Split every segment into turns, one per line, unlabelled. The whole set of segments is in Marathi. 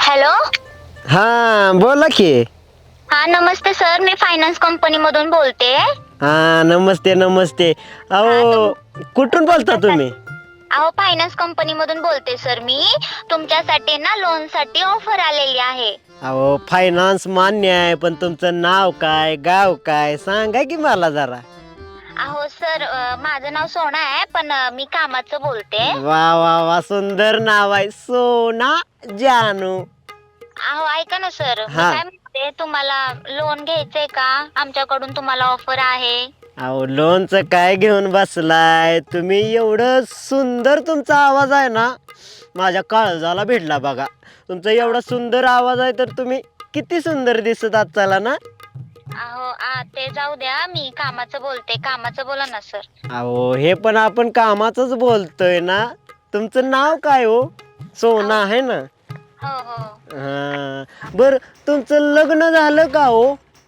हॅलो.
हा बोला की.
हा नमस्ते सर, मी फायनान्स कंपनी मधून बोलते.
हा नमस्ते नमस्ते.
हा
अहो कुठून बोलता तुम्ही?
अहो फायनान्स कंपनी मधून बोलते सर मी. तुमच्यासाठी ना लोन साठी ऑफर आलेली आहे.
अहो फायनान्स मान्य आहे, पण तुमचं नाव काय गाव काय सांगा की मला जरा.
अहो सर, माझं नाव सोना आहे, पण मी कामाचं बोलते.
वा वा वा, सुंदर नाव आहे, सोना जानू.
अहो ऐका ना सर, मी
हा.
काय म्हणते, तुम्हाला लोन घ्यायचंय का? आमच्याकडून तुम्हाला ऑफर आहे.
अहो लोनचं काय घेऊन बसलाय तुम्ही? एवढं सुंदर तुमचा आवाज आहे ना, माझ्या काळजाला भिडला बघा. तुमचा एवढा सुंदर आवाज आहे तर तुम्ही किती सुंदर दिसत आहात चला ना.
अहो ते जाऊ द्या, मी कामाचं बोलते. कामाचं बोला ना सर.
अहो हे पण आपण कामाचंच बोलतोय ना. तुमचं नाव काय हो? सोना आहे ना.
हो हो.
हा बर, तुमचं लग्न झालं का हो?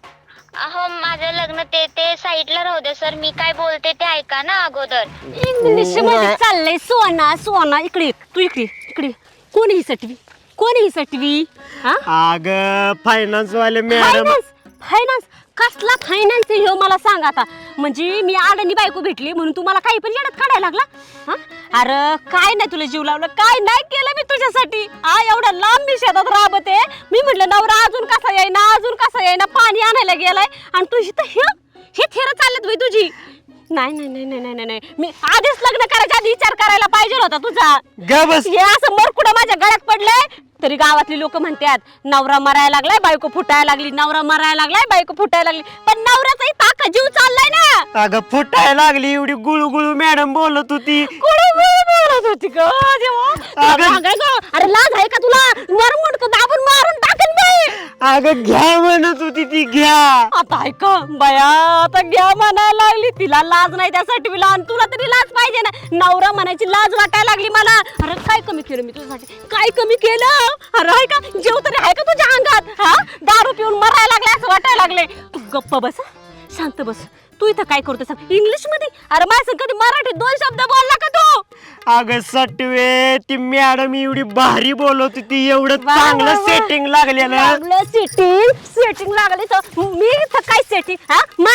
अहो माझं लग्न ते साईडला राहू दे सर, मी काय बोलते ते ऐका ना अगोदर.
इंग्लिश मध्ये चाललंय सोना सोना. इकडे तू, इकडे इकडे. कोण ही सटवी? कोण ही सटवी? हा,
अग फायनान्स वाले मॅडम.
फायनान्स? फायनान्स कसला फायनान्स ह्यो मला सांग आता. म्हणजे मी आडणी बायको भेटली म्हणून तुम्हाला काही पण येड्यात काढायला लागला? हा, अरे काय नाही तुला जीव लावलं, काय नाही केलं मी तुझ्यासाठी. एवढ्या लांब मी शेतात राबते. मी म्हटलं नवरा अजून कसा येईना, अजून कसा येईना, पाणी आणायला गेलाय आणि तुझी तर हे थेर चालत बाई तुझी. नाही नाही नाही नाही नाही नाही, मी आधीच लग्न करायच्या आधी विचार करायला पाहिजे होता तुझा.
ग बस.
हे असं मरकुडं माझ्या गळ्यात पडलंय तरी गावातली लोक म्हणतात नवरा मरायला लागलाय, बायको फुटायला लागली, नवरा मरायला लागलाय, बायको फुटायला लागली. पण नवऱ्याचाही ताका जीव चाललाय ना.
अगं फुटायला लागली, एवढी गुळू गुळू मॅडम बोलत होती.
बोलत होती ग देवा. अरे लाज आहे का तुला? मरमुंड दाबून मारून टाकेन बाई.
अगं घ्या म्हणत होती ती, घ्या.
आता ऐक बया, आता घ्या म्हणायला लागली. तिला लाज नाही त्यासाठी मी, आणि तुला तरी लाज पाहिजे ना. नवरा म्हणायची लाज वाटायला लागली मला. अरे काय कमी केलं मी तुझ्यासाठी? काय कमी केलं? अरे आहे का जेव तरी आहे का तुझ्या अंगात? हा, दारू पिऊन मरायला लागले असं वाटायला लागले. तू गप्प बस, शांत बस. तू इथं काय करतो सांग इंग्लिश मध्ये? अरे माझं कधी मराठीत 2 शब्द बोलला का तू?
अगं सटवे, ती मॅडम एवढी भारी बोलत होती, एवढं चांगलं सेटिंग लागलेलं.
सेटिंग लागले तर मी इथं काय सेटिंग? हा,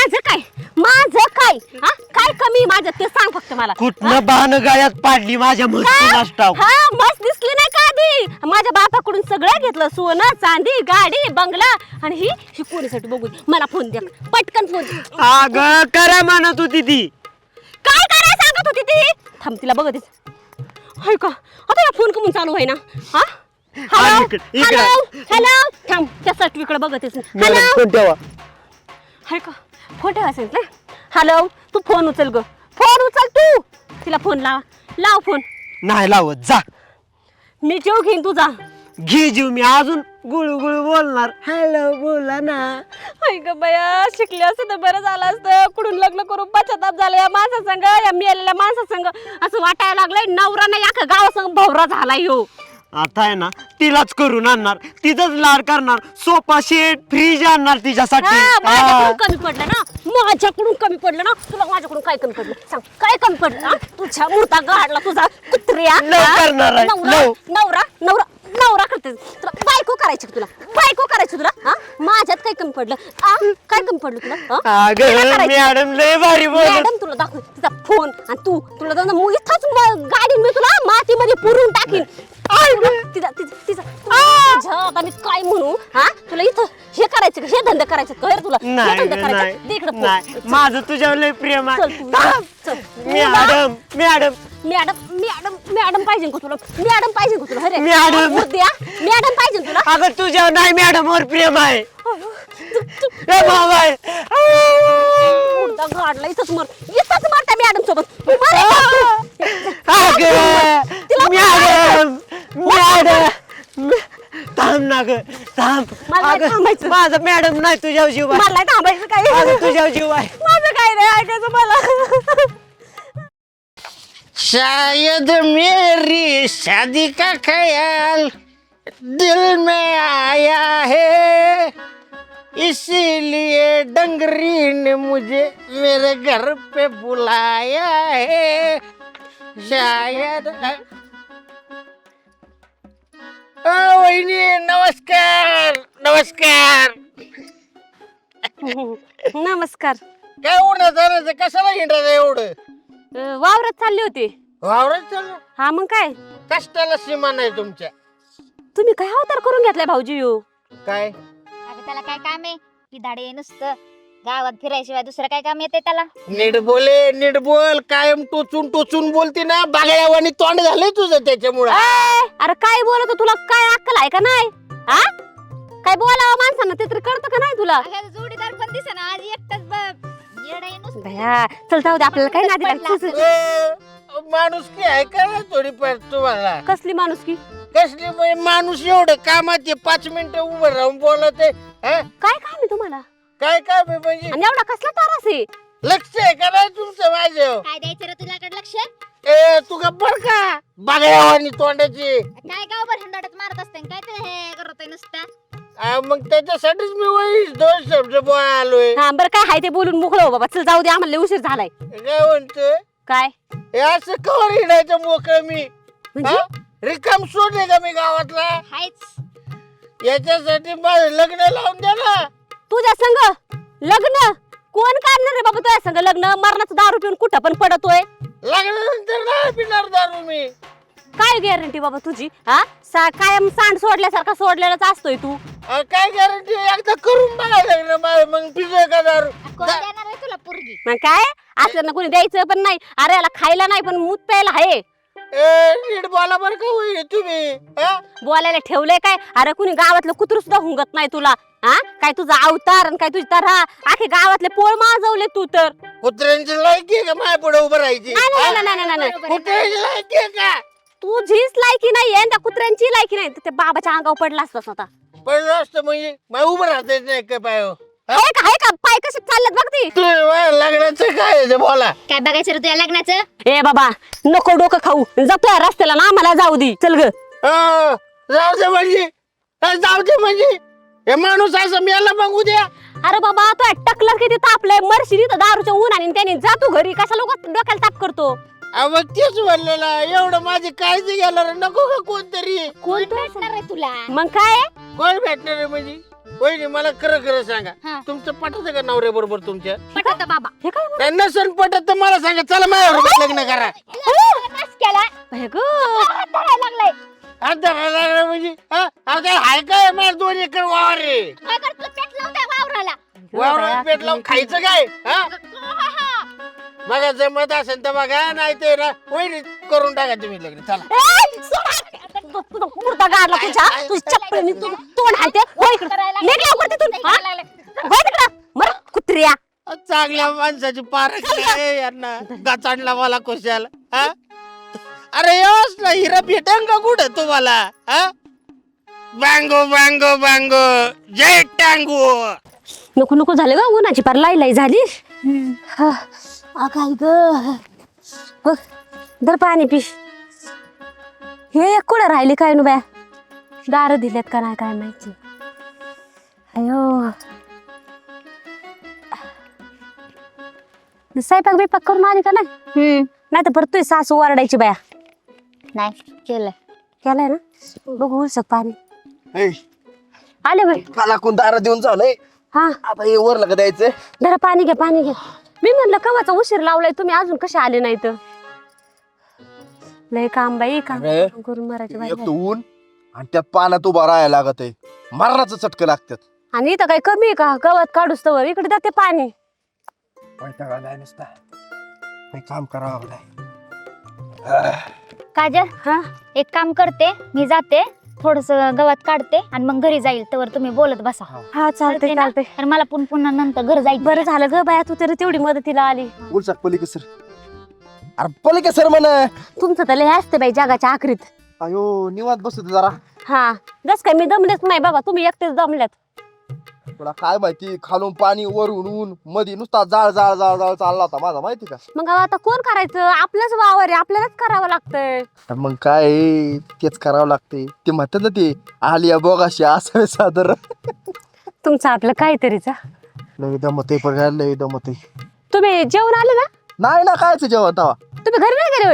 माझं काय हा, काय कमी माझं ते सांग फक्त मला.
कुठनं बाण गळ्यात पाडली माझ्या मस्त.
हा, मस्त दिसली नाही का आधी? माझ्या बापाकडून सगळं घेतलं, सोनं चांदी गाडी बंगला. आणि ही कोणीसाठी बघू? मला फोन द्या पटकन, फोन द्या.
अगं करा म्हणत होती ती.
काय करायला सांगत होती ती? थांब तिला बघत हाय का आता या फोन कमून चालू आहे ना. हा, हॅलो
इकडे.
Hello hello. थांब त्या सर्टिफिकेट बघतेस.
मॅडम
हॅलो
फोन ठेवा.
हाय का? फोन ठेवा सांगितलं. हॅलो, तू फोन उचल ग, फोन उचल तू. तिला फोन लाव फोन.
नाही लावत, जा.
मी जेव घेईन तुझा.
घे जीव, मी अजून गुळू गुळू बोलणार. हॅलो बोला ना.
हाय ग बया, शिकले असतं तर बरं झालं असतं. कुठून लग्न करून पश्चाताप झाला या माणसासंग, या मिळालेल्या माणसासंग. असं वाटायला लागलंय नवरा नाही अख्खा गावासंग भवरा झालाय ह्यो.
आता आहे ना तिलाच करून आणणार, तिथंच लाड करणार, सोफा सेट फ्रीज आणणार तिच्यासाठी.
माझ्याकडून कमी पडलं ना, माझ्याकडून कमी पडलं ना. तुला माझ्याकडून काय कमी पडलं सांग? काय कमी पडलं? तुझ्या मूर्ता गाडला तुझा कुत्र्या.
करणार आहे,
नवरा नवरा नवरा करते तुला. बायको करायची तुला, बायको करायची तुला. हा, माझ्यात काय कमी पडलं? काय कमी पडलं तुला?
अगं मॅडम लय भारी बोलत.
मॅडम तुला दाखव तिचा फोन. आणि तू तुला इथंच गाडी मी तुला मातीमध्ये पुरून टाकीन. तिचा तिचा तिचा आता मी काय म्हणू? हा, तुला इथं हे करायचं का? हे धंदे करायचे का तुला? हे धंदे करायचे? दे इकडं फोन.
माझं तुझ्यावर लय प्रेम आहे.
चल
madam madam
madam madam madam पाहिजे का तुला? मॅडम पाहिजे का तुला? अरे
मॅडम.
द्या मॅडम पाहिजे तुला.
अगं तुझ्यावर नाही मॅडम वर प्रेम आहे.
गाडला इथंच इथंच मरता मॅडम सोबत.
मॅडम मॅडम थांब ना ग, थांब. माझा मॅडम नाही तुझ्यावर जीव आहे.
मला थांबायचं काय?
तुझ्यावर जीव आहे.
माझं काय नाही ऐकायचं मला.
शायद मेरी शादी का ख्याल दिल में आया है, इसीलिए डंगरी ने मुझे मेरे घर पे बुलाया है. शायद वहिनी नवा नमस्कार नमस्कार.
नमस्कार.
काय उन्हा जाण्याचं कशाला हिंडायचं एवढं?
वावरात चालले होते.
वावरात चालू.
हा मग काय
कष्टाला सीमा नाही तुमच्या.
तुम्ही काय अवतार करून घेतलाय भाऊजी यो?
काय
अगं त्याला काय काम आहे की धाडे नुसतं गावात फिरायशिवाय दुसरं काय काम येते त्याला?
नीट बोल. कायम टोचून टोचून बोलते ना, बागड्यावानी तोंड झालंय तुझं त्याच्यामुळे.
अरे काय बोलतो, तुला काय अक्कल आहे का नाही? हा काय बोलावं माणसानं ते तरी कळतं का नाही तुला?
जोडीदार पण दिसेना आज एकटाच
भया चल जाऊ दे, आपल्याला काय नादी लागते.
माणूस की आहे का ना थोडीफार तुम्हाला?
कसली माणूस की?
कसली म्हणजे माणूस एवढं कामात 5 मिनिटं उभं राहून बोलत आहे.
काय काम आहे तुम्हाला
काय काम आहे म्हणजे?
आणि एवढा कसला तारास आहे?
लक्ष आहे का नाही तुमचं माझं?
काय द्यायचं रे तुझ्याकडे लक्ष?
तू गप्पर का बागड्यावानी तोंडाची?
काय गावभर हंडाडत मारत असते काय ते हे करतोय नुसता?
मग त्याच्यासाठीच मी वहीच 2 शब्द बोलालोय.
हा बरं काय हाय ते बोलून मोकळं हो बाबा. चल जाऊ दे, आम्हाला लय उशीर झालाय.
काय म्हणतोय?
काय
हे असं कवर हिडायचं मोकळं मी?
म्हणजे?
रिकाम सोडले का मी गावातला?
हायच
याच्यासाठी माझं लग्न लावून द्या ना.
तुझ्या संग लग्न कोण काढणार रे बाबा? तुझ्या संग लग्न? मरणाचं दारू पिऊन कुठं पण पडतोय.
लग्नानंतर नाही पिणार दारू मी.
काय गॅरंटी बाबा तुझी? हा कायम सांड सोडल्यासारखा सोडलेलाच असतोय तू.
काय गॅरंटी? एकदा करून बघा लग्न माझं, मग पिझ्झा का दारू?
कोण देणार आहे तुला पोरगी?
मग काय असलं ना कोणी द्यायचं पण नाही. अरे याला खायला नाही पण मूत प्यायला आहे.
नीट बोला बरं का होईल तुम्ही.
बोलायला ठेवलंय काय? अरे कुणी गावातलं कुत्र सुद्धा हुंगत नाही तुला. हा काय तुझा अवतार आणि काय तुझी तऱ्हा आखे गावातले पोळ माजवले तू तर.
कुत्र्यांची लायकी आहे का माझ्या पुढे उभं राहायची?
नाही, नाही, नाही, नाही, नाही.
कुत्र्यांची लायकी आहे का?
तुझीच लायकी नाहीये आणि त्या कुत्र्यांची लायकी नाही. त्या बाबाच्या अंगावर पडला असतास आता.
पडलं असतं म्हणजे मला उभं राहता येत नाही का पाय?
आहे का पाय कसे चाललेत बघ ती.
लग्नाचं काय आहे ते बोला.
काय बघायचं रे तुझ्या लग्नाचं?
ए बाबा नको डोकं खाऊ. जातोय रस्त्याला ना, आम्हाला जाऊ दे. चल ग.
जाऊ दे म्हणजे हे माणूस असं मेला मग उद्या.
अरे बाबा तो टकलं किती तापलंय. मरशी तर दारूच्या उन्हाने त्याने जा तू घरी. कशा लोक डोक्याला ताप करतो?
मग तेच म्हणलेला एवढं माझी काळजी घ्यायला नको का कोणतरी?
कोण भेटणार आहे तुला?
मग काय
कोण भेटणार आहे म्हणजे? वहिनी मला खरं खरं सांगा,
हा.
तुमचं पटत का नवऱ्या बरोबर तुमच्या?
पटत बाबा.
हे काय
काय नसन पटत तर मला सांगा, चला माझ्याबरोबर लग्न करा.
नाश केला
बाई ग.
हात धरायला लागलाय.
हात धरायला लागला म्हणजे हाय काय माझ्या 2 एकर वावर आहे.
काय करतो? पेट लावून द्या वावराला.
वावरात पेट लावून खायचं काय? बघा जमत असेल तर बघा, नाही ते वहिनी करून टाका तुम्ही लग्न. चला
ए, सोड. तुझा कुर्ता गाडला तुझ्या. तुझी चप्पल तोंड हाते. हो इकडं. निघ लवकर तिथून. हा? हो तिकडं. मर कुत्र्या.
चांगल्या माणसाची पारख आहे यांना गचाडला मला कोशाल. अरे यस ना हिरा भेटेल का कुठं तुम्हाला? बांगो बांगो बांगो जय टांगो.
नको नको झालं ग. उन्हाची पार लाई झाली. काय ग. दर पाणी पी. हे एक कुठं राहिली काय नु बाया? दार दिल्यात का नाही काय माहिती. अयो स्वयंपाक बिपाक करून आली का नाही? नाही तर परत तुझी सासू ओरडायची बाया.
नाही केलं.
केलाय ना? बघू उलसक पाणी
ऐ,
आले बाई.
मला कोण दारा देऊन चाललंय.
हा
आता हे वर लगा द्यायचं.
जरा पाणी घ्या पाणी घ्या. मी म्हणलं कवाचा उशीर लावलाय तुम्ही अजून कसे आले नाही तर. लय काम बाई काम
अरे,
करून मरायचे बाई.
एक तर ऊन आणि त्यात पाण्यात उभा राहायला लागत आहे. मरणाचं चटकं लागतात.
आणि इथं काही कमी आहे का? गवत काढूस तर इकडे जाते पाणी.
वैतागायला नुसता. काही काम करावं लागलंय.
काजल,
हा
एक काम करते, मी जाते थोडस गवत काढते आणि मग घरी जाईल. तर तुम्ही बोलत बसा.
हा चालते
ना?
चालते.
आणि मला पुन्हा नंतर घर जायचं.
बरं झालं ग बाया, तू तरी तेवढी मदतीला आली.
उलसाक पलिके सर. अरे पलिके सर म्हण.
तुमचं तर लय असते बाई जगाच्या आखरीत.
अयो निवांत बसतो जरा.
हा जस काय मी दमलेच नाही बाबा. तुम्ही एकटेच दमल्यात.
तुला काय माहिती, खालून पाणी वरून ऊन मध्ये नुसता जाळ जाळ जाळ जाळ चालला होता माझा, माहिती का?
मग आता कोण करायचं? आपलंच वावर आहे, आपल्यालाच करावं लागतंय.
मग काय तेच करावं लागते. ते म्हणतात ना ते आलिया बोगाशी असावे सादर.
तुमचं आपलं काहीतरीच.
लय दमत आहे पण लय दमत आहे.
तुम्ही जेवण आले ना?
नाही ना कायच जेवण तवा.
तुम्ही घरी नाही गेले होय?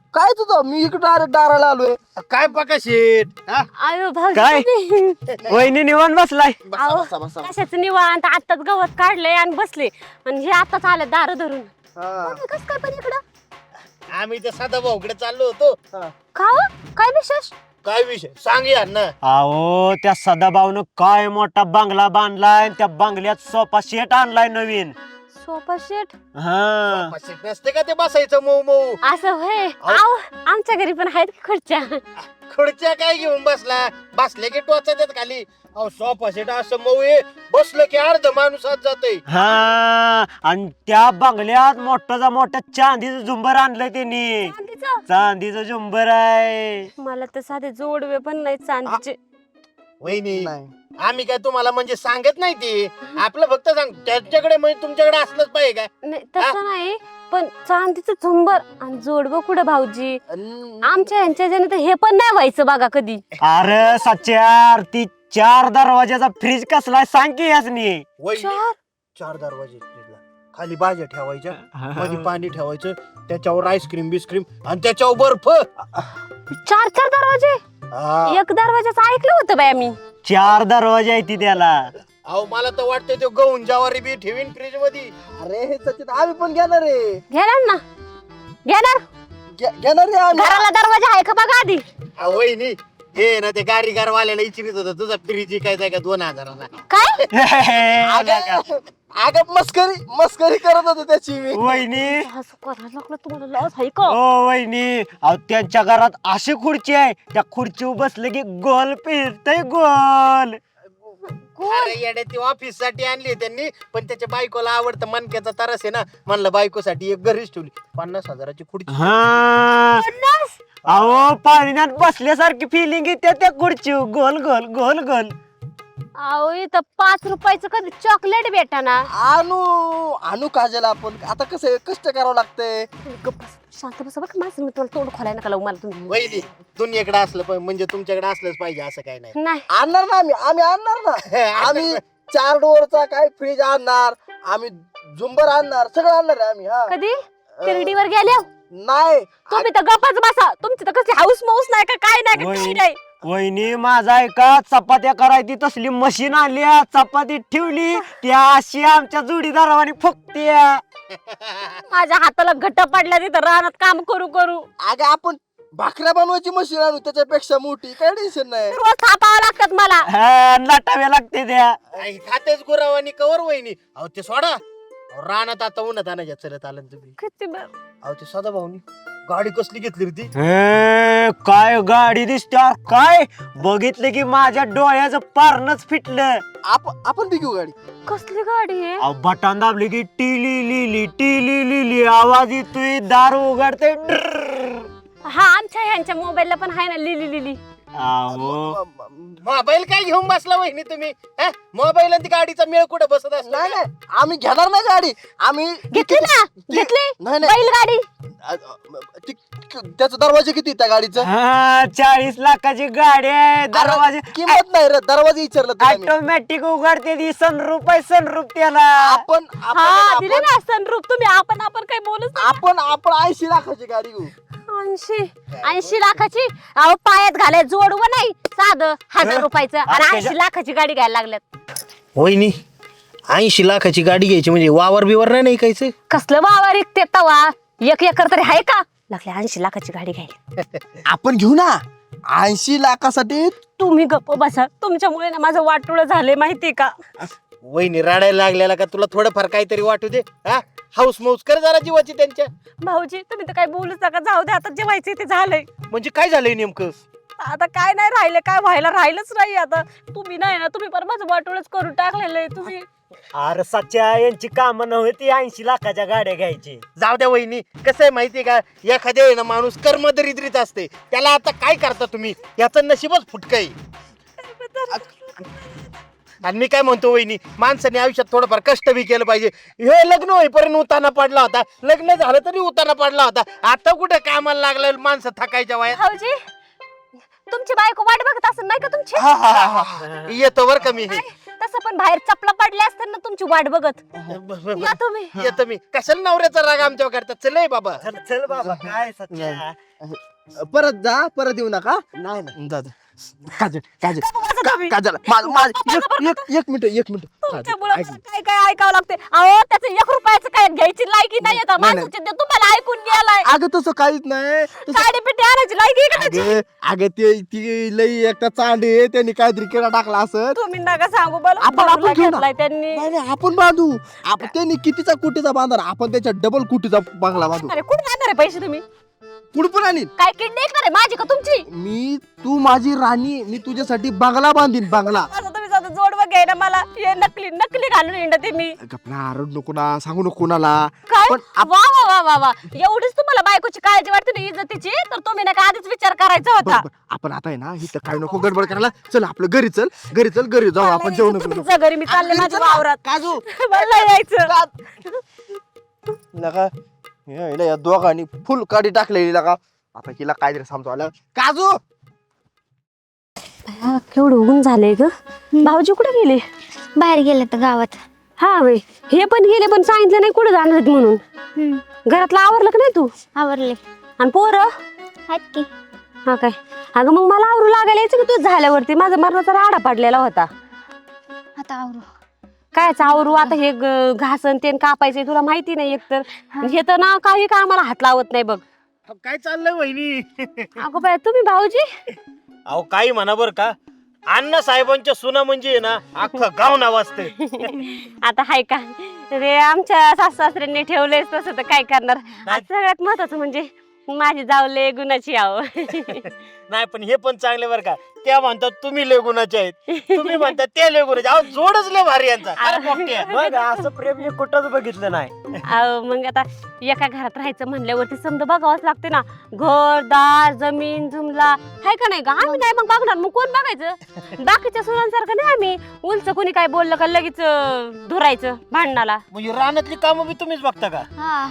काय तुझं मी इकडे डायरेक्ट दाराला आलोय.
काय पका शेट हा?
आयो भाऊजी
काय?
तुम्ही-
वहिनी निवांत बसलाय.
बसा
अहो,
बसा बसा.
कशाच निवांत आत्ताच गवत काढलंय आणि बसले आणि हे आताच आले दार धरून
हा.
कस काय पण इकडं
आम्ही तर साधा भाऊकडे चाललो होतो.
का हो? काय विशेष
काय विषय सांग यार ना.
अहो त्या सदाभाऊनं काय मोठा बंगला बांधलाय, त्या बंगल्यात सोफा सेट आणलाय नवीन.
सोफा सेट
हा
शेट नसते का ते बसायचं मऊ मऊ.
असं होय आव आमच्या घरी पण आहेत की खुर्च्या
खुर्च्या काय घेऊन बसला, बसले की टोचा देत खाली. अहो सोफा सेट असं मऊ आहे, बसलं की अर्ध माणूस आत जातोय.
हा आणि त्या बंगल्यात मोठ्या चांदीचं झुंबर आणलंय त्यांनी.
चांदीचं?
चांदीचं झुंबर आहे.
मला तर साधे जोडवे पण नाही चांदीचे
वहिनी
नाही.
आम्ही काय तुम्हाला म्हणजे सांगत नाही ते, आपलं फक्त सांग त्याच्याकडे म्हणजे तुमच्याकडे असलंच पाहिजे काय.
नाही तसं नाही पण चांदीचं झुंबर आणि जोडवं कुठं भाऊजी आमच्या यांच्या ज्याने तर हे पण नाही व्हायचं बघा कधी
अरे सच्यार ती 4 दरवाजाचा फ्रीज कसलाय सांग की यासनी.
वहिनी 4 दरवाजे फ्रीजला. खाली भाज्या ठेवायच्या, मध्ये पाणी ठेवायचं, त्याच्यावर आईस्क्रीम बिस्क्रीम आणि त्याच्यावर बर्फ.
4 दरवाजे
हा.
एक दरवाजाचं ऐकलं होतं बाय मी
4 दरवाजे आहे ती त्याला.
अहो मला तर वाटतंय तो गहून ज्वारी बी ठेवीन फ्रीज मध्ये.
अरे हे सचिन आम्ही पण घेणार आहे.
घेणार ना घेणार
घेणार आहे आम्ही.
घराला दरवाजा आहे का बघा आधी
अहो, वहिनी हे ना ते गारीगार वाल्याला इचिरीत होतं तुझा फ्रीज काय का 2000ला.
काय
अगं मस्करी करत होतो त्याची मी.
वहिनी
असं करायला लागलं तुम्हाला लॉस आहे का
ओ वहिनी अहो त्यांच्या घरात अशी खुर्ची आहे, त्या खुर्चीवर बसले की गोल फिरतय गोल.
अरे येड्या ती ऑफिस साठी आणली त्यांनी, पण त्याच्या बायकोला आवडतं मनक्याचा तरस आहे ना, म्हणलं बायकोसाठी एक घरीच ठेवली. 50,000ची खुर्ची.
हा अहो पाण्यात बसल्यासारखी फिलिंग येते त्या खुर्चीवर गोल गोल गोल गोल.
अहो इथं 5 रुपयाचं कधी चॉकलेट भेटाना
आणू काजल आपण. आता कसं आहे, कष्ट करावं लागतंय.
गप्प बस, शांत बसा बरं का माझं मी तुम्हाला तोंड खोलाय नका लावू मला तुम्ही
वहिनी दुनियाकडे असलं पण म्हणजे तुमच्याकडे असलंच पाहिजे असं काय नाही.
नाही
आणणार ना आम्ही आणणार ना. आम्ही 4 डोअरचा काय फ्रीज आणणार, आम्ही झुंबर आणणार, सगळं आणणार आहे आम्ही. हा
कधी तिरडीवर गेल्या
नाही
तुम्ही तर गप्पच बसा तुमची तर कसली हाऊस माऊस नाही का काय नाही का काही नाही
वहिनी माझा ऐका चपात्या करायची तसली मशीन आली, चपाती ठेवली त्या अशी आमच्या जोडीदारावानी फुकत्या.
माझ्या हाताला घट्ट पडल्या तिथं रानात काम करू करू
अगं आपण भाकऱ्या बनवायची मशीन आणू त्याच्यापेक्षा मोठी, काय टेन्शन नाही.
रोज थापावं लागतात मला
लाटाव्या लागते त्या.
आई खातेच गुरावानी कवर वहिनी. अहो ते सोडा. अहो, रानात आता उन्हात आणायच्या चलत आलं ना तुम्ही.
किती बरं.
अहो ते सदा भाऊनी गाडी कसली घेतली रे ती.
हे, काय गाडी दिसते काय बघितलं की माझ्या डोळ्याचं पारणच फिटलं.
आपण बी घेऊ गाडी.
कसली गाडी आहे
अहो, बटन दाबली की टिली लिली आवाज येतोय, दार उघडते.
हा आमच्या ह्यांच्या मोबाईलला पण आहे ना लिली लिली
अहो
मोबाईल काय घेऊन बसला वहिनी तुम्ही. मोबाईल आणि ती गाडीचा मेळ कुठे बसत असतो.
नाही नाही आम्ही घेणार नाही गाडी. आम्ही
घेतली ना घेतली
नाही नाही
बैलगाडी
त्याचा दरवाजा किती त्या गाडीचा?
हा 40 लाखाची गाडी आहे, दरवाजे
किंमत नाही रे, दरवाजा विचारलं तुला मी.
ऑटोमॅटिक उघडते ती, सनरूप आहे सनरूप त्याला.
आपण
हा दिले ना सनरूप तुम्ही आपण काही बोलच
आपण 80 लाखाची गाडी घेऊ.
80 लाखाची अहो पायात घालाय जोडवं नाही साधं 1000 रुपयाचं आणि 80 लाखाची गाडी घ्यायला लागल्यात
वहिनी 80 लाखाची गाडी घ्यायची म्हणजे वावर बिवर नाही कायचं.
कसलं वावर इकते तवा 1 एकर तरी आहे का लागले 80 लाखाची गाडी घ्यायला
आपण घेऊ ना 80 लाखासाठी.
तुम्ही गप्प बसा तुमच्यामुळे ना माझं वाटोळं झालंय माहितीये का
वहिनी रडायला लागलेला का तुला थोडंफार काहीतरी वाटू दे. हाऊस मौस कर जरा जीवाची त्यांच्या.
भाऊजी तुम्ही तर काही बोलूच नका जाऊ दे आता जे व्हायचंय ते झालंय
म्हणजे काय झालंय नेमकं.
आता काय नाही राहिले काय व्हायला राहिलंच नाही आता तुम्ही नाही ना तुम्ही पण माझं वाटोळच करून टाकलेलं आहे तुम्ही
अरे सच्या यांची कामं नव्हती 80 लाखाच्या गाड्या घ्यायची.
जाऊ द्या वहिनी. कसं आहे माहितीये का, एखाद्या वेळेला माणूस कर्मदरिद्रीत असते, त्याला आता काय करता तुम्ही, याचं नशीबच फुटकं आहे. आणि मी काय म्हणतो वहिनी, माणसाने आयुष्यात थोडंफार कष्ट बी केलं पाहिजे. हे लग्न होईपर्यंत उताना पडला होता, लग्न झालं तरी उताना पडला होता. आता कुठे कामाला लागलं माणसं थकायच्या वयात.
भाऊजी तुमची बायको वाट बघत असं नाही का तुमची
येतो बर का मी.
तसं असं पण बाहेर चपला पडल्या असतात ना तुमची वाट बघत. या तुम्ही.
येतो मी. कशाला नवऱ्याचा राग आमच्यावर करतात? चल ए बाबा.
चल चल बाबा काय सच्चा.
परत जा, परत येऊ नका.
नाही नाही
जा जा. काजल काजल
बसा तुम्ही.
काजल एक मिनिट
तुमच्यामुळं काय काय ऐकावं लागते. अहो त्याचं 1 रुपयाचं काय घ्यायची लायकी नाही येत.
नाही.
माणसाचे ते तुम्हाला ऐकून गेलाय.
अगं तसं काहीच नाही
साडी पिठी आणायची लायकी आहे का त्याची?
अगं ती लई एकटा चांडे त्यांनी काहीतरी केला टाकला असं.
तुम्ही नका सांगू मला.
आपण घेऊ ना.
घेतलाय त्यांनी.
नाही आपण बांधू. आपण त्यांनी कितीचा कुटीचा बांधणार, आपण त्याच्या डबल कुटीचा बंगला बांधू.
अरे कुठे जाणार आहे पैसे तुम्ही?
पुढे आणीन
काय किडनी ऐकणार आहे माझी का तुमची?
तू माझी राणी, मी तुझ्यासाठी बंगला बांधीन बंगला.
असं तुम्ही साधं जोडवं घ्याय ना मला. हे नकली घालून येणं मी.
गपना आरड नको ना, सांगू नको कोणाला.
काय
पण
वा वा वा वा वा एवढीच तुम्हाला बायकोची काळजी वाटते ना इज्जतीची, तर तुम्ही ना आधीच विचार करायचा होता.
आपण आता आहे ना इथं काय नको गडबड करायला. चल आपलं घरी चल, घरी जाऊ आपण जेवण करू.
तुमच्या घरी मी चालले माझ्या वावरात.
काजू
मला यायचं.
लगा या दोघांनी फुल काडी टाकलेली लगा. आता हिला काहीतरी समजावलं. काजू
केवढं ऊन झालंय ग. भाऊजी कुठे गेले?
बाहेर गेले तर गावात.
हा वे हे पण गेले, पण सांगितलं नाही कुठे जाणार आहेत म्हणून. घरातलं आवरलं का नाही तू?
आवरले
आणि पोरं?
आहेत की.
हा काय. अगं मग मला आवरू लागायला यायचं की तू झाल्यावरती. माझा मरणाचा राडा पडलेला होता.
आता आवरू.
कायच आवरू आता. हे घासन तेन कापायचंय तुला माहिती नाही एकतर. हे तर ना काही का आम्हाला हात लावत नाही बघ.
काय चाललंय वहिनी?
अगं बाय तुम्ही भाऊजी.
अहो काही म्हणा बर का, अण्णा साहेबांच्या सुना म्हणजे ना अख्खं गाव नावाजते.
आता हाय का रे, आमच्या सासू सासऱ्यांनी ठेवलंय तसं तर काय करणार. आज सगळ्यात महत्वाचं म्हणजे माझी जावले गुणाची आव.
नाही पण हे पण चांगले बर का. त्या म्हणतात तुम्ही लय गुणाचे आहेत, तुम्ही म्हणतात ते लय गुणाचे. अहो जोडच लय भारी यांचा. अरे पोट्या.
मग असं प्रेम मी कुठंच बघितलं नाही.
मग आता एका घरात राहायचं म्हणल्यावरती समजा बघावंच लागते ना. घर दार जमीन जुमला हाय का नाही का. आम्ही नाही मग बघणार, मग कोण बघायचं? बाकीच्या सुनांसारखं नाही आम्ही उलच कोणी काय बोललं का लगेच धुरायचं भांडणाला.
म्हणजे रानातली कामं बी तुम्हीच बघता का?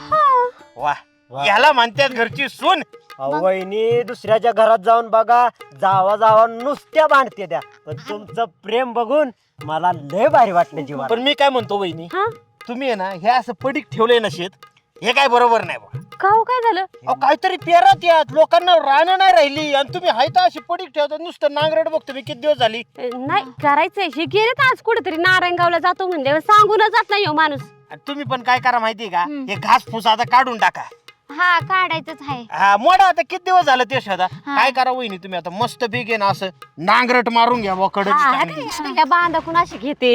हा.
वा याला म्हणतात घरची सून.
वहिनी दुसऱ्याच्या घरात जाऊन बघा, जावा नुसत्या भांडते त्या. पण तुमचं प्रेम बघून मला लय भारी वाटलं जीवाला.
पण मी काय म्हणतो वहिनी,
हा
तुम्ही आहे ना हे असं पडीक ठेवलंय ना शेत, हे काय बरोबर नाही बा.
का हो काय झालं?
अहो काहीतरी पेरात यात लोकांना रानं नाही राहिली आणि तुम्ही हाय तर अशी पडीक ठेवता. नुसतं नांगरट बघतो मी किती दिवस झाली.
नाही करायचंय. हे गेले तर आज कुठेतरी नारायणगावला जातो म्हणजे सांगूनच जात नाही हो माणूस.
आणि तुम्ही पण काय करा माहितीये का, हे घास फुस आता काढून टाका.
हा काढायचंच आहे.
हा मोडा आता किती दिवस झालं ते शोधा. काय करा वहिनी तुम्ही आता मस्त पीक आहे ना असं नांगरट मारून घ्या वकड.
या बांधा कुणाशी घेते.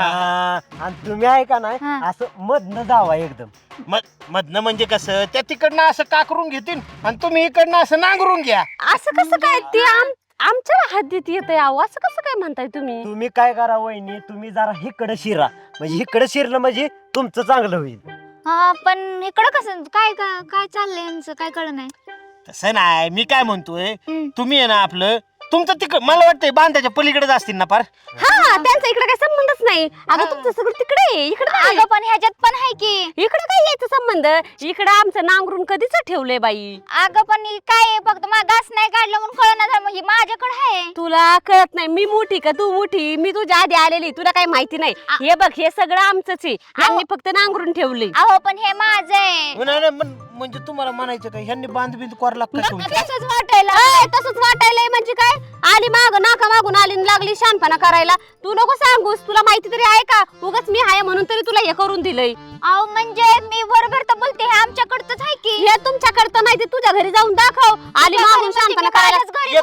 आणि तुम्ही आहे का नाही
हा.
असं मधनं जावा एकदम.
मधनं म्हणजे कसं, त्या तिकडनं असं काकरून घेतील आणि तुम्ही इकडनं असं नांगरून घ्या.
असं कसं काय ते आमच्या हद्दीत येत यावं असं कसं काय म्हणताय तुम्ही?
तुम्ही काय करा वहिनी, तुम्ही जरा इकडं शिरा. म्हणजे इकडं शिरलं म्हणजे तुमचं चांगलं होईल.
हा पण इकडं कसं काय काय चाललंय यांचं काय कळ नाही.
तसं नाही, मी काय म्हणतोय,
हम्म.
तुम्ही आहे ना आपलं तुमचं तिकड मला वाटतंय बांधाच्या पलीकडेच असतील ना पार.
हा त्यांचा इकडे काय संबंधच नाही. अगं तुमचं सगळं तिकडे आहे, इकडे नाही.
अगं पण ह्याच्यात पण आहे की.
इकडे काय यायचं संबंध? इकडे आमचं नांगरून कधीच ठेवलंय बाई.
अगं पण हे काय आहे, फक्त मला घास नाही काढलं म्हणून कळणार झालं. म्हणजे माझ्याकडे आहे.
तुला कळत नाही मी मोठी का तू मोठी? मी तुझ्या आधी आलेली, तुला काही माहिती नाही. हे बघ हे सगळं आमचंच आहे. आम्ही फक्त नांगरून ठेवलंय.
अहो पण हे माझं आहे.
नाही, नाही, म्हणजे तुम्हाला म्हणायचं काय ह्यांनी बांध कोरला का
मला
तुमच्या?
तसंच वाटायला.
तसंच वाटायलंय म्हणजे काय? आली माग नाका मागून आली आणि लागली शानपणा करायला. तू नको सांगूस, तुला माहिती तरी आहे का? उगाच मी आहे म्हणून तरी तुला हे करून दिलंय.
अहो म्हणजे मी बरोबर तर बोलते, हे आमच्याकडचंच आहे की.
हे तुमच्याकडचं नाही, ते तुझ्या घरी जाऊन दाखव. आली मागून शानपणा करायला.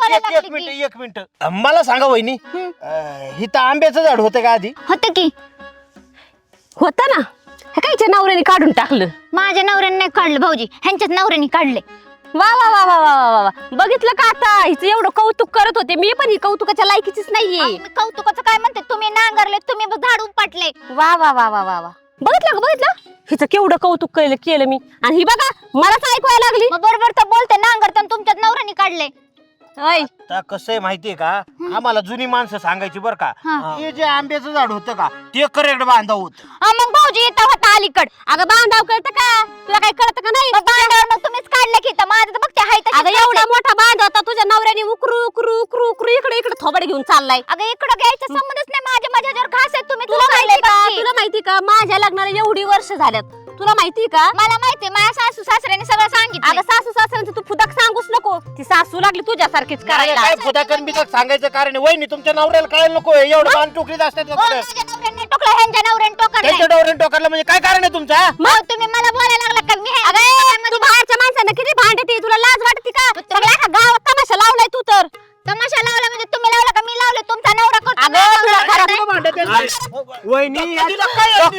एक मिनिट मला सांगा वहिनी, इथं आंब्याचं झाड होतं का आधी?
होतं की.
होतं ना. हे कायच्या नवऱ्याने काढून टाकलं.
माझ्या नवऱ्याने नाही काढलं भाऊजी, ह्यांच्याच नवऱ्याने काढले.
वा वा वा वा वा वा वा. बघितलं का आता हिचं एवढं कौतुक करत होते मी, पण ही कौतुकाच्या लायकीचीच नाहीये.
मी कौतुकाचं काय म्हणते, तुम्ही नांगरले, तुम्ही झाड उपटले.
वा वा वा वा वा वा. बघितलं का बघितलं हिचं केवढं कौतुक केलं मी. आणि ही बघा मलाच ऐकवायला लागली.
मग बरोबर तर बोलते, नांगरताना तुमच्याच नवऱ्याने काढले.
ओय
आता कसं आहे माहितीये का आम्हाला जुनी माणसं सांगायची बरं का हे जे आंब्याचं झाड होतं का ते करेक्ट बांधाव होत.
मग भाऊजी इथं होता अलीकड.
अगं बांधाव कळतं का तुला काही कळतं का नाही
बांधावर मग तुम्हीच काढलं की इथं. माझं तर बघते हाय तशीच
अगं
करते.
एवढा मोठा बांध होता तुझ्या नवऱ्याने उकरू उकरू उकरू उकरू इकडे इकडे थोबड घेऊन चाललाय
अगं इकडं घ्यायचा संबंधच नाही. माझ्यावर घास आहे. तुम्ही
तुला माहिती का
बघ की.
तुला माहिती का माझ्या लग्नाला एवढी वर्ष झाल्यात तुला माहिती का
मला माहिती माझ्या सासू सासऱ्याने सगळं सांगितलं.
अगं सासू सासऱ्यांचं तू फुदाक सांगूच नको ती सासू लागली तुझ्यासारखीच करायला
काय फुदाकन बिदाक सांगायचं कारण आहे. वहिनी तुमच्या नवऱ्याला कळायला नको एवढं बाण टोकरीत असतात का कुठं?
माझ्या नवऱ्याने टोकलं ह्यांच्या नवऱ्याने टोकलं.
त्यांच्या डोऱ्याने टोकारलं म्हणजे काय कारण आहे तुमचा?
मग तुम्ही मला बोलायला लागला का? मी
तू बाहेरच्या माणसांना किती भांडते तुला लाज वाटते का सगळ्या एका गावात तमाशा लावलाय तू तर
तमाशा लावला म्हणजे तुम्ही लावला का मी लावलं? तुमचा नवरा करतो.
अगं,
माझा
तुला
नवरा
घरात
करत नाही.
वहिनी
तिला काय असते?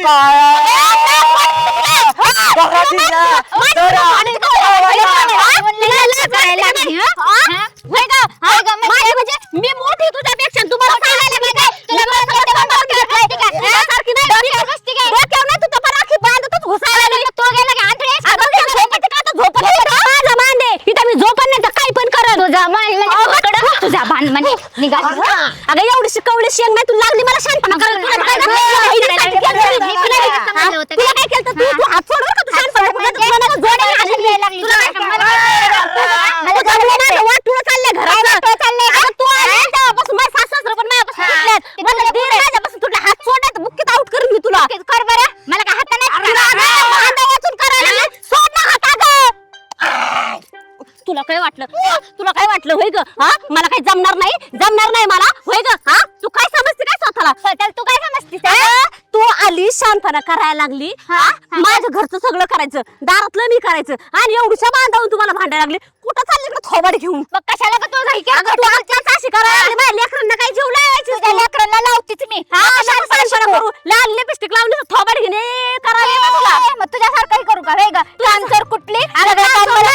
मी मोठी तुझ्यापेक्षा तुम्हाला सांगायला पाहिजे. तुला सारखी नाही डोक्यावर नाही तू तर राखी बांधतच घुसायला लागली. अगं, त्या झोपेचं का आता झोपत नाही का? माझा बांध आहे. इथं मी झोपत नाही तर काही पण करत
तुझा बाण म्हणजे निघा.
अगं एवढी शिकवली शेंग नाही तू लागली मला शांतपणा करायला. तुला काय झालं? तुला काय केलं तू हात सोड बरं का तू शांतपणा करायला. तुला नाही जोड्या घालली. तुला काय वाटून चाललंय घरात अगं, तू आली तेव्हापासून माझ्या सासू-सासरे पण माझ्यापासून सुटलेत. मला दीर माझ्यापासून तुला हात सोडण्यात बुक्कीत आउट करून मी तुला
कर बरं. मला काय हात नाही.
भांडा वाचून करायला लागली. सोड ना हात अगं. तुला काय वाटलं होय ग हा मला काही जमणार नाही मला होय ग हा तू काय समजते काय स्वतःला
त्याला तू काय समजतीस?
अगं, तू आली शांतपणा करायला लागली हा माझं घरचं सगळं करायचं दारातलं मी करायचं आणि एवढीशा बांधावून तुम्हाला भांडायला लागली कुठं चालली इकडे थोबाड घेऊन
मग कशाला का तुझा
अगं, तू आजकाल अशी करायला लागली माझ्या लेकरांना काही जीव लावायची
तुझ्या लेकरांना लावतीच मी.
हा शांतपणा करू लाल लिपस्टिक लावली थोबाड घेणे करायला येतं तुला
मग तुझ्यासारखंही करू का? वेग तू आन्सर कुठली?
अगं,